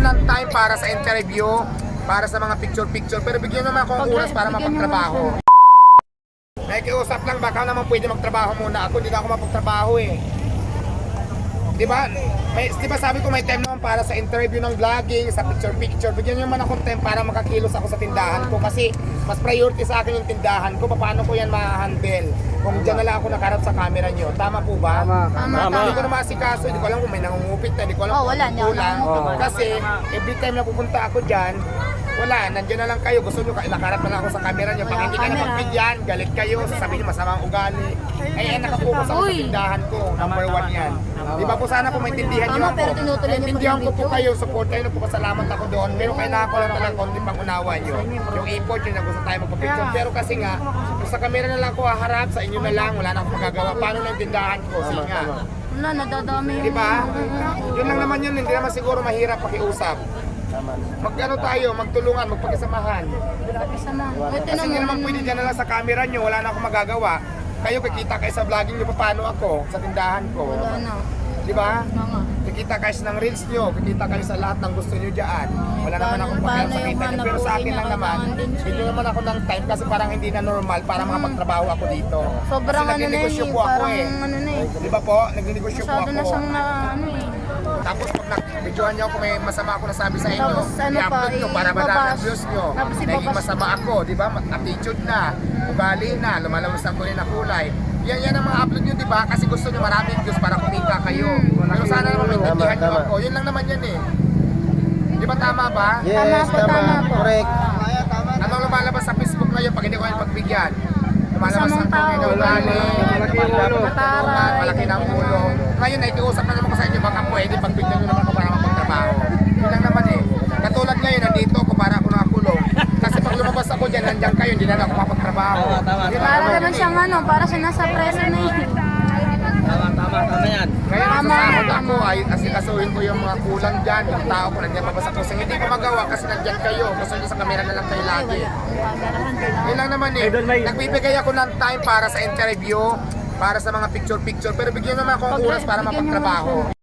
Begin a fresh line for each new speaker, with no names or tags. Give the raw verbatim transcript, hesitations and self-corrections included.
ng time para sa interview, para sa mga picture-picture, pero bigyan naman ako ng oras para mapagtrabaho. Nakikiusap lang, baka naman pwede magtrabaho muna ako, hindi na ako mapagtrabaho eh. Di ba? May, di ba sabi ko may time naman para sa interview ng vlogging, sa picture-picture. Bigyan nyo naman akong time para makakilos ako sa tindahan ko kasi mas priority sa akin yung tindahan ko. Paano ko yan ma-handle? Kung dyan na lang ako nakarap sa camera nyo. Tama po ba?
Tama.
Tama,
Hindi
tama.
ko na masikaso, hindi ko alam kung may nangungupit na, hindi ko alam
Oh,
kung
wala, hindi ako
kulang.
nangungupit.
Kasi every time na pupunta ako dyan, wala, nandiyan na lang kayo. Gusto nyo, nakarap na lang ako sa camera nyo. Pag
Wala
hindi ka na
camera.
magbigyan, galit kayo, sasabihin nyo masamang ugali. Ay, ay, nakapokus ako sa
Uy.
tindahan ko. Number one yan. Di ba po sana po maintindihan nyo
Tama,
ako.
pero tinutuloy niyo po
Naintindihan
yung
ko po
video.
kayo, support kayo, nagpapasalamat ako doon. Pero kailangan ko lang talagang konti pang unawa nyo. Yung effort nyo na gusto tayo magpapicture. Pero kasi nga, kung sa camera na lang ako haharap, sa inyo na lang, wala na akong magagawa. Paano na yung tindahan ko? Sige nga.
Wala, nadadami yung...
Di ba? Yun lang naman yun, hindi naman siguro mahirap pakiusap. Mag-ano tayo, magtulungan, magpakisamahan.
Kasama. Buti
Kasi hindi naman pwede dyan na lang sa camera nyo, wala na akong magagawa. Kayo, kikita kayo sa vlogging nyo, paano ako sa tindahan ko.
Wala na.
Di ba?
Mga.
Kikita kayo ng reels nyo, kikita kayo sa lahat ng gusto nyo dyan. Wala naman akong
Paano-
pakialam sa
paano yung
kita nyo.
hanap
Pero sa akin
buhay
lang
na
naman,
kailangan din siya?
hindi naman ako ng time kasi parang hindi na normal para makapagtrabaho ako dito.
Sobrang
Kasi
ano na
nagninegosyo
eh,
po ako
parang
eh.
ano na eh.
Di ba po? Nagninegosyo po
Masyado na
ako.
siyang na ano eh.
Tapos pag nag-videohan niyo ako, may masama ako nasabi sa inyo.
Tapos ano pa,
I-upload nyo para madami ang
ibabas-
views nyo.
tapos
Naging
ibabas-
masama ako, di ba? Attitude na, ugali na, lumalabas ang kulay na kulay. Yan yan ang mga upload nyo, di ba? Kasi gusto nyo maraming views para kumita kayo. Pero sana naman maintindihan nyo
Tama,
ako. Yun lang naman yan eh. Di ba tama ba?
Yes,
Tama po,
tama.
tama po.
Correct.
Anong lumalabas sa Facebook ngayon pag hindi ko kayo pagbigyan? Lumalabas
Masamang
ang kulay na
tao.
ugali,
Malaki yung ulo.
mataray, malaki ng ulo. Ngayon, nakikiusap na naman ko sa inyo, baka pwede pagbigyan nyo naman ako para mapagtrabaho. Yun lang naman eh. Katulad ngayon, nandito ako para ako nakakulong. Kasi pag lumabas ako dyan, nandiyan kayo, hindi na ako mapagtrabaho.
Tama, tama,
Yun lang
Para
naman
naman
yun
siyang
eh.
ano, para siya nasa preso na eh.
Tama, tama, tama yan.
Ngayon,
Tama,
nasasahod
tama.
ako, ay asikasuhin ko yung mga kulang dyan, yung tao ko, nandiyan mabasa ko. Hindi ko magawa kasi nandiyan kayo. Gusto nyo sa kamera na lang kayo lagi. Yun lang naman eh. Nagbibigay ako ng time para sa interview, para sa mga picture-picture, pero bigyan naman ako ng oras para
Bigyan niyo
mapagtrabaho.